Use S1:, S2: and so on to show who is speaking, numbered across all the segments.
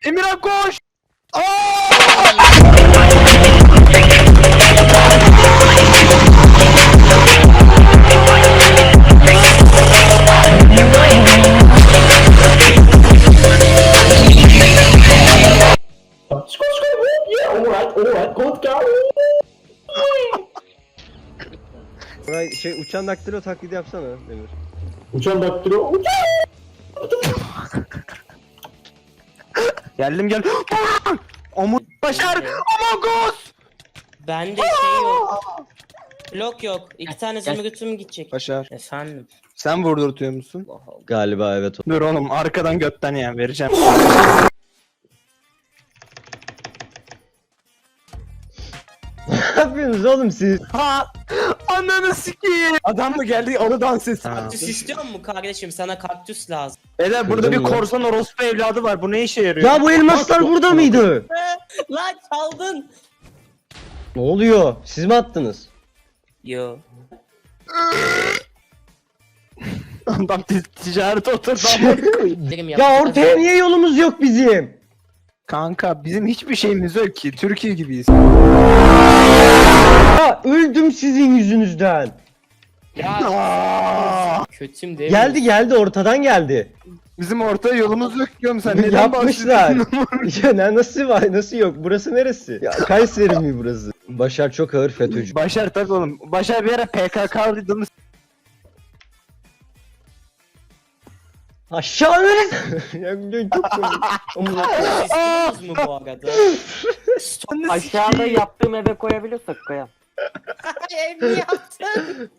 S1: Emirhan koş.
S2: Şey uçan daktilo taklidi yapsana Demir.
S3: Uçan daktilo.
S1: Geldim gel. Omur başar. Among Us.
S4: Bende şey yok. Blok yok. İki tane zümrütüm gidecek.
S1: Başar.
S4: Efendim.
S1: Sen vurdurtuyor musun?
S2: Galiba evet.
S1: Dur oğlum arkadan götten ya vereceğim.
S2: Ne yapıyorsunuz oğlum siz?
S1: Ha! Ananı sikeyim. Adam mı geldi onu dans etsin.
S4: Kaktüs istiyor mu kardeşim? Sana kaktüs lazım.
S1: Beyler burada bir
S2: Kırdın mı?
S1: korsan orospu evladı var. Bu ne işe yarıyor?
S2: Ya bu elmaslar burada mıydı?
S4: Lan çaldın.
S2: Ne oluyor? Siz mi attınız?
S4: Yo.
S1: Adam ticarete oturdu.
S4: Derim
S2: Ya ortaya niye yolumuz yok bizim?
S1: Kanka bizim hiçbir şeyimiz yok ki. Türkiye gibiyiz.
S2: Ya öldüm sizin yüzünüzden.
S1: Aa!
S4: Kötüm değil mi?
S2: Geldi ortadan geldi.
S1: Bizim ortaya yolumuz yok diyorum sen. Neden
S2: Yapmışlar.
S1: bahsediyorsun?
S2: Ya nasıl var? Nasıl yok? Burası neresi? Ya Kayseri mi burası? Başar çok ağır FETÖ'cü.
S1: Başar tabii oğlum. Başar bir ara PKK'lıydınız.
S2: Aşağı verin. Ya çok komik. Amına koyayım.
S4: Siz istiyorsunuz mu bu arada?
S5: Aşağıda yaptığım eve koyabiliyorsak koyalım.
S4: Ev mi yaptın?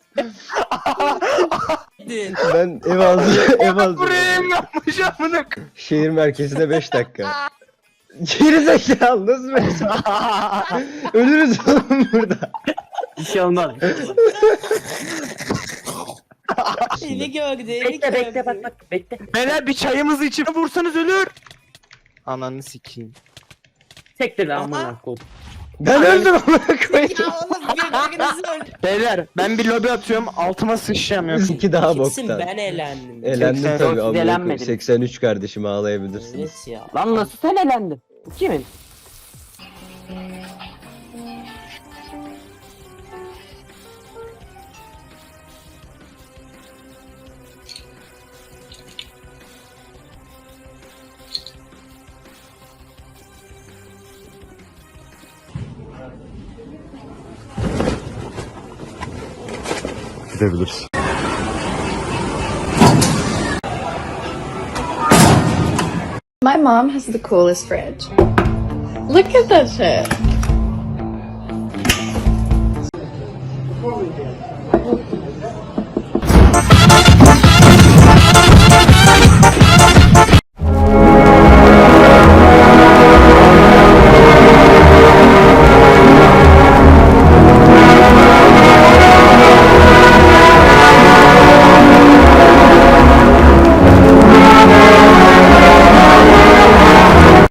S2: Ben ev aldım.
S1: Buraya mı yapmış amına k-
S2: Şehir merkezine 5 dakika. Geri zekalı nasıl mesela? Ölürüz oğlum burada.
S5: Bir şey olmaz.
S4: Eli gördü.
S5: Bekle bekle bak bekle.
S1: Beyler bir çayımızı içip vursanız ölür. Ananı sikeyim.
S5: Sektir lan amına koyayım.
S2: Ben öldüm amına koyayım.
S4: Ya oğlum birbirinizi öldü.
S1: Beyler ben bir lobi atıyorum altıma sıçacağım yok.
S2: İki daha
S4: Kimsin
S2: boktan.
S4: ben eğlendim.
S2: Elendim
S1: 80,
S2: tabii amına koyayım.
S5: elenmedim.
S2: 83 kardeşim ağlayabilirsiniz.
S4: Evet ya.
S5: Lan nasıl sen elendin? Bu kimin?
S2: Gidebiliriz.
S6: My mom has the coolest fridge. Look at that shit.